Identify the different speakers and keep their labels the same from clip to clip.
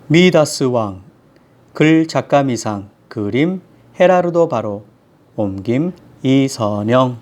Speaker 1: 미다스 왕, 글 작가 미상, 그림 헤라르도 바로, 옮김 이선영.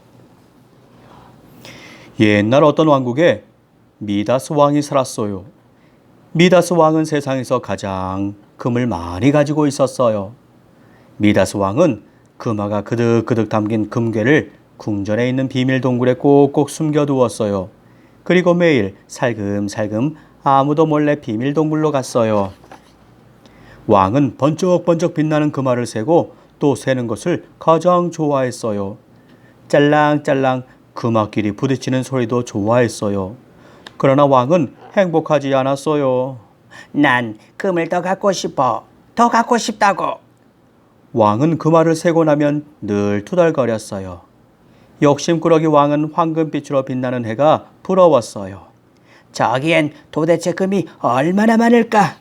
Speaker 1: 옛날 어떤 왕국에 미다스 왕이 살았어요. 미다스 왕은 세상에서 가장 금을 많이 가지고 있었어요. 미다스 왕은 금화가 그득그득 담긴 금괴를 궁전에 있는 비밀 동굴에 꼭꼭 숨겨두었어요. 그리고 매일 살금살금 아무도 몰래 비밀 동굴로 갔어요. 왕은 번쩍번쩍 빛나는 금화를 세고 또 세는 것을 가장 좋아했어요. 짤랑짤랑 금화끼리 부딪히는 소리도 좋아했어요. 그러나 왕은 행복하지 않았어요.
Speaker 2: 난 금을 더 갖고 싶어. 더 갖고 싶다고.
Speaker 1: 왕은 금화를 세고 나면 늘 투덜거렸어요. 욕심꾸러기 왕은 황금빛으로 빛나는 해가 부러웠어요.
Speaker 2: 저기엔 도대체 금이 얼마나 많을까?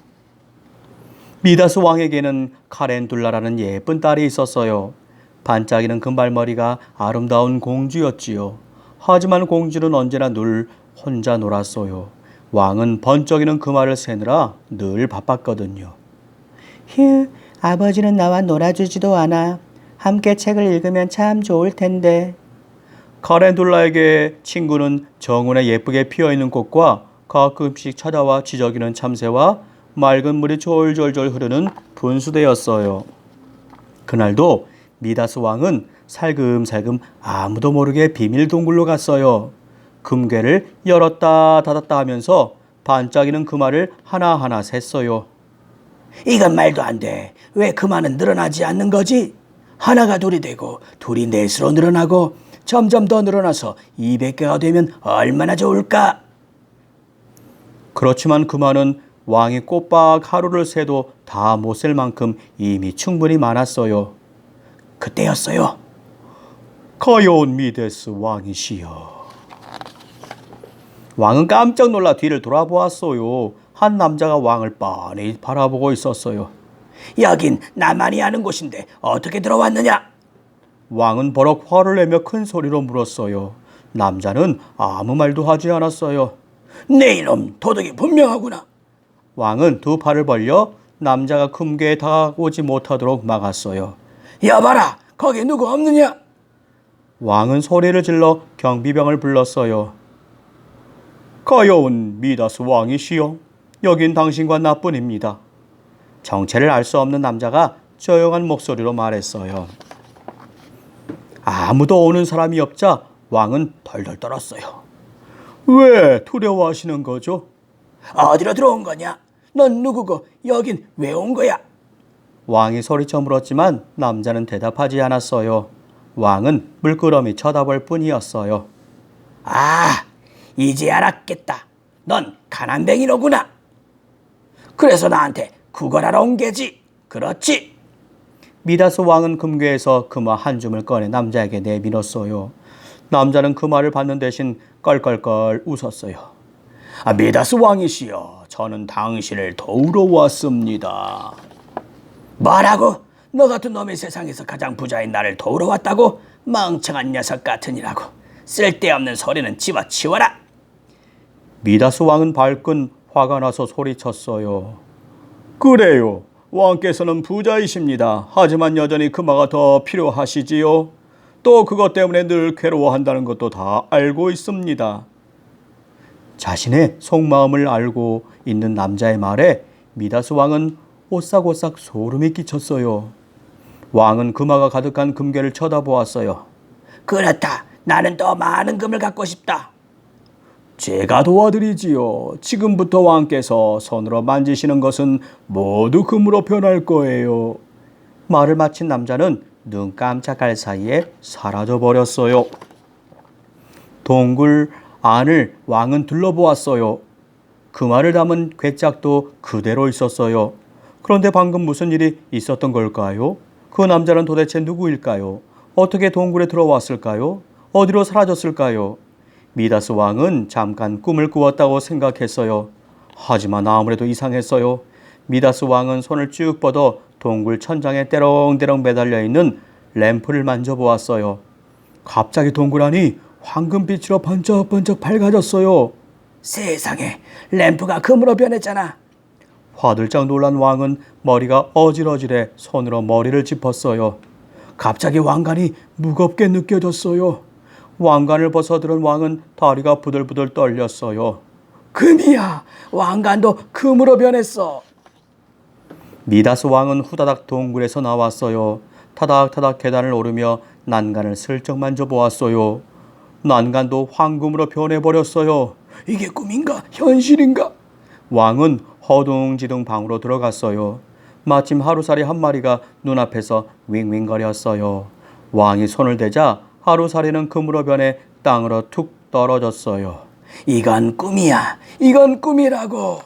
Speaker 1: 미다스 왕에게는 카렌둘라라는 예쁜 딸이 있었어요. 반짝이는 금발머리가 아름다운 공주였지요. 하지만 공주는 언제나 늘 혼자 놀았어요. 왕은 번쩍이는 금화를 세느라 늘 바빴거든요.
Speaker 2: 휴, 아버지는 나와 놀아주지도 않아. 함께 책을 읽으면 참 좋을 텐데.
Speaker 1: 카렌둘라에게 친구는 정원에 예쁘게 피어있는 꽃과 가끔씩 찾아와 지저귀는 참새와 맑은 물이 졸졸졸 흐르는 분수대였어요. 그날도 미다스 왕은 살금살금 아무도 모르게 비밀 동굴로 갔어요. 금괴를 열었다 닫았다 하면서 반짝이는 금화를 하나하나 셌어요.
Speaker 2: 이건 말도 안 돼. 왜 금화는 늘어나지 않는 거지? 하나가 둘이 되고 둘이 넷으로 늘어나고 점점 더 늘어나서 200개가 되면 얼마나 좋을까?
Speaker 1: 그렇지만 금화는 왕이 꼬박 하루를 새도 다 못 셀 만큼 이미 충분히 많았어요.
Speaker 2: 그때였어요.
Speaker 1: 가여운 미데스 왕이시여. 왕은 깜짝 놀라 뒤를 돌아보았어요. 한 남자가 왕을 빤히 바라보고 있었어요.
Speaker 2: 여긴 나만이 아는 곳인데 어떻게 들어왔느냐?
Speaker 1: 왕은 버럭 화를 내며 큰 소리로 물었어요. 남자는 아무 말도 하지 않았어요.
Speaker 2: 내 이놈 도둑이 분명하구나.
Speaker 1: 왕은 두 팔을 벌려 남자가 금괴에 다가오지 못하도록 막았어요.
Speaker 2: 여봐라, 거기 누구 없느냐?
Speaker 1: 왕은 소리를 질러 경비병을 불렀어요. 가여운 미다스 왕이시여, 여긴 당신과 나뿐입니다. 정체를 알 수 없는 남자가 조용한 목소리로 말했어요. 아무도 오는 사람이 없자 왕은 덜덜 떨었어요. 왜 두려워하시는 거죠?
Speaker 2: 어디로 들어온 거냐? 넌 누구고 여긴 왜 온 거야?
Speaker 1: 왕이 소리쳐 물었지만 남자는 대답하지 않았어요. 왕은 물끄러미 쳐다볼 뿐이었어요.
Speaker 2: 아, 이제 알았겠다. 넌 가난뱅이로구나. 그래서 나한테 구걸하러 온 게지. 그렇지?
Speaker 1: 미다스 왕은 금괴에서 금화 한 줌을 꺼내 남자에게 내밀었어요. 남자는 금화를 받는 대신 껄껄껄 웃었어요.
Speaker 2: 미다스 왕이시여, 저는 당신을 도우러 왔습니다. 뭐라고? 너 같은 놈이 세상에서 가장 부자인 나를 도우러 왔다고? 멍청한 녀석 같으니라고. 쓸데없는 소리는 집어치워라.
Speaker 1: 미다스 왕은 발끈 화가 나서 소리쳤어요. 그래요. 왕께서는 부자이십니다. 하지만 여전히 금화가 더 필요하시지요. 또 그것 때문에 늘 괴로워한다는 것도 다 알고 있습니다. 자신의 속마음을 알고 있는 남자의 말에 미다스 왕은 오싹오싹 소름이 끼쳤어요. 왕은 금화가 가득한 금괴를 쳐다보았어요.
Speaker 2: 그렇다. 나는 더 많은 금을 갖고 싶다.
Speaker 1: 제가 도와드리지요. 지금부터 왕께서 손으로 만지시는 것은 모두 금으로 변할 거예요. 말을 마친 남자는 눈 깜짝할 사이에 사라져 버렸어요. 동굴 안을 왕은 둘러보았어요. 금화를 담은 괴짝도 그대로 있었어요. 그런데 방금 무슨 일이 있었던 걸까요? 그 남자는 도대체 누구일까요? 어떻게 동굴에 들어왔을까요? 어디로 사라졌을까요? 미다스 왕은 잠깐 꿈을 꾸었다고 생각했어요. 하지만 아무래도 이상했어요. 미다스 왕은 손을 쭉 뻗어 동굴 천장에 때렁때렁 매달려 있는 램프를 만져보았어요. 갑자기 동굴 안이 황금빛으로 번쩍번쩍 밝아졌어요.
Speaker 2: 세상에, 램프가 금으로 변했잖아.
Speaker 1: 화들짝 놀란 왕은 머리가 어질어질해 손으로 머리를 짚었어요.
Speaker 2: 갑자기 왕관이 무겁게 느껴졌어요.
Speaker 1: 왕관을 벗어들은 왕은 다리가 부들부들 떨렸어요.
Speaker 2: 금이야! 왕관도 금으로 변했어.
Speaker 1: 미다스 왕은 후다닥 동굴에서 나왔어요. 타닥타닥 계단을 오르며 난간을 슬쩍 만져보았어요. 난간도 황금으로 변해버렸어요.
Speaker 2: 이게 꿈인가 현실인가?
Speaker 1: 왕은 허둥지둥 방으로 들어갔어요. 마침 하루살이 한 마리가 눈앞에서 윙윙거렸어요. 왕이 손을 대자 하루살이는 금으로 변해 땅으로 툭 떨어졌어요.
Speaker 2: 이건 꿈이야. 이건 꿈이라고.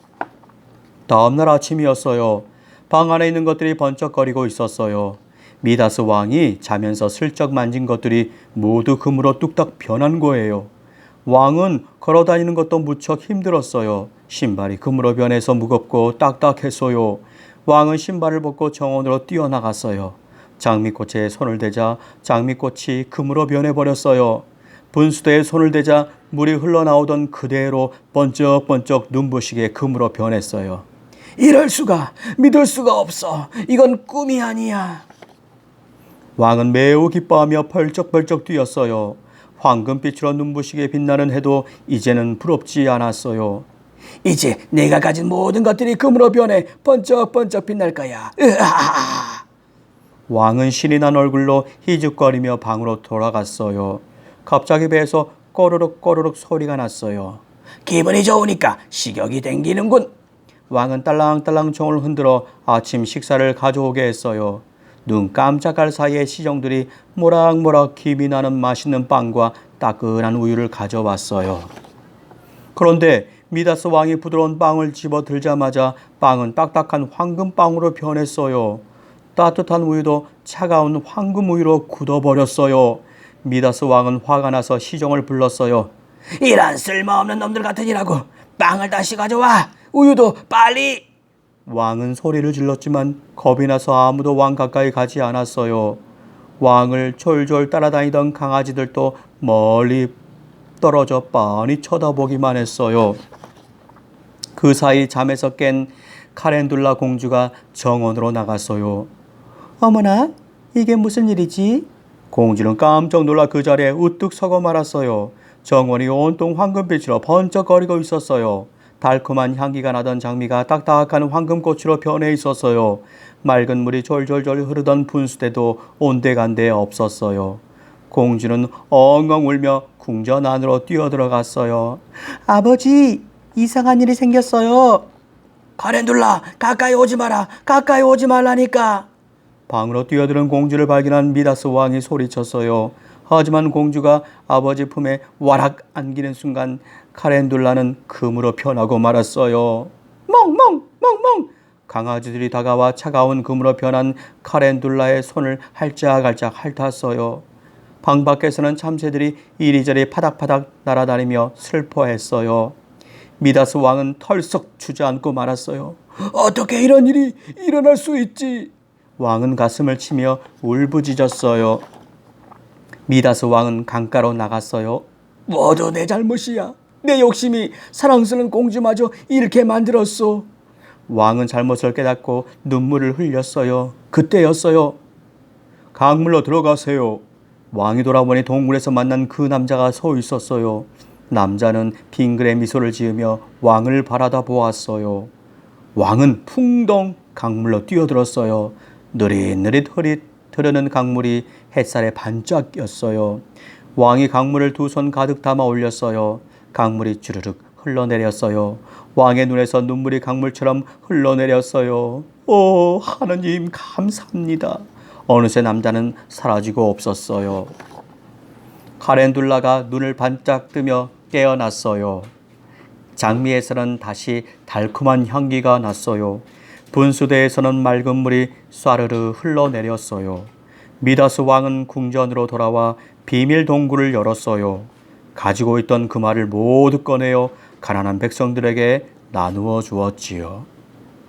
Speaker 1: 다음날 아침이었어요. 방 안에 있는 것들이 번쩍거리고 있었어요. 미다스 왕이 자면서 슬쩍 만진 것들이 모두 금으로 뚝딱 변한 거예요. 왕은 걸어다니는 것도 무척 힘들었어요. 신발이 금으로 변해서 무겁고 딱딱했어요. 왕은 신발을 벗고 정원으로 뛰어나갔어요. 장미꽃에 손을 대자 장미꽃이 금으로 변해버렸어요. 분수대에 손을 대자 물이 흘러나오던 그대로 번쩍번쩍 눈부시게 금으로 변했어요.
Speaker 2: 이럴 수가. 믿을 수가 없어. 이건 꿈이 아니야.
Speaker 1: 왕은 매우 기뻐하며 펄쩍펄쩍 뛰었어요. 황금빛으로 눈부시게 빛나는 해도 이제는 부럽지 않았어요.
Speaker 2: 이제 내가 가진 모든 것들이 금으로 변해 번쩍번쩍 빛날 거야. 으아!
Speaker 1: 왕은 신이 난 얼굴로 희죽거리며 방으로 돌아갔어요. 갑자기 배에서 꼬르륵 꼬르륵 소리가 났어요.
Speaker 2: 기분이 좋으니까 식욕이 땡기는군.
Speaker 1: 왕은 종을 흔들어 아침 식사를 가져오게 했어요. 눈 깜짝할 사이에 시종들이 모락모락 김이 나는 맛있는 빵과 따끈한 우유를 가져왔어요. 그런데 미다스 왕이 부드러운 빵을 집어 들자마자 빵은 딱딱한 황금빵으로 변했어요. 따뜻한 우유도 차가운 황금 우유로 굳어버렸어요. 미다스 왕은 화가 나서 시종을 불렀어요.
Speaker 2: 이런 쓸모없는 놈들 같으니라고. 빵을 다시 가져와. 우유도 빨리.
Speaker 1: 왕은 소리를 질렀지만 겁이 나서 아무도 왕 가까이 가지 않았어요. 왕을 졸졸 따라다니던 강아지들도 멀리 떨어져 빤히 쳐다보기만 했어요. 그 사이 잠에서 깬 카렌둘라 공주가 정원으로 나갔어요. 어머나, 이게 무슨 일이지? 공주는 깜짝 놀라 그 자리에 우뚝 서고 말았어요. 정원이 온통 황금빛으로 번쩍거리고 있었어요. 달콤한 향기가 나던 장미가 딱딱한 황금꽃으로 변해 있었어요. 맑은 물이 졸졸졸 흐르던 분수대도 온데간데 없었어요. 공주는 엉엉 울며 궁전 안으로 뛰어들어갔어요. 아버지, 이상한 일이 생겼어요.
Speaker 2: 카렌둘라, 가까이 오지 마라. 가까이 오지 말라니까.
Speaker 1: 방으로 뛰어드는 공주를 발견한 미다스 왕이 소리쳤어요. 하지만 공주가 아버지 품에 와락 안기는 순간 카렌둘라는 금으로 변하고 말았어요. 멍멍 멍멍. 강아지들이 다가와 차가운 금으로 변한 카렌둘라의 손을 할짝할짝 핥았어요. 방 밖에서는 참새들이 이리저리 파닥파닥 날아다니며 슬퍼했어요. 미다스 왕은 털썩 주저앉고 말았어요.
Speaker 2: 어떻게 이런 일이 일어날 수 있지?
Speaker 1: 왕은 가슴을 치며 울부짖었어요. 미다스 왕은 강가로 나갔어요.
Speaker 2: 모두 내 잘못이야. 내 욕심이 사랑스러운 공주마저 잃게 만들었어.
Speaker 1: 왕은 잘못을 깨닫고 눈물을 흘렸어요. 그때였어요. 강물로 들어가세요. 왕이 돌아보니 동굴에서 만난 그 남자가 서 있었어요. 남자는 빙그레 미소를 지으며 왕을 바라다 보았어요. 왕은 풍덩 강물로 뛰어들었어요. 느릿느릿 흐르는 강물이 햇살에 반짝 꼈어요. 왕이 강물을 두 손 가득 담아 올렸어요. 강물이 주르륵 흘러내렸어요. 왕의 눈에서 눈물이 강물처럼 흘러내렸어요. 오, 하느님 감사합니다. 어느새 남자는 사라지고 없었어요. 카렌둘라가 눈을 반짝 뜨며 깨어났어요. 장미에서는 다시 달콤한 향기가 났어요. 분수대에서는 맑은 물이 쏴르르 흘러내렸어요. 미다스 왕은 궁전으로 돌아와 비밀 동굴을 열었어요. 가지고 있던 금화를 모두 꺼내어 가난한 백성들에게 나누어 주었지요.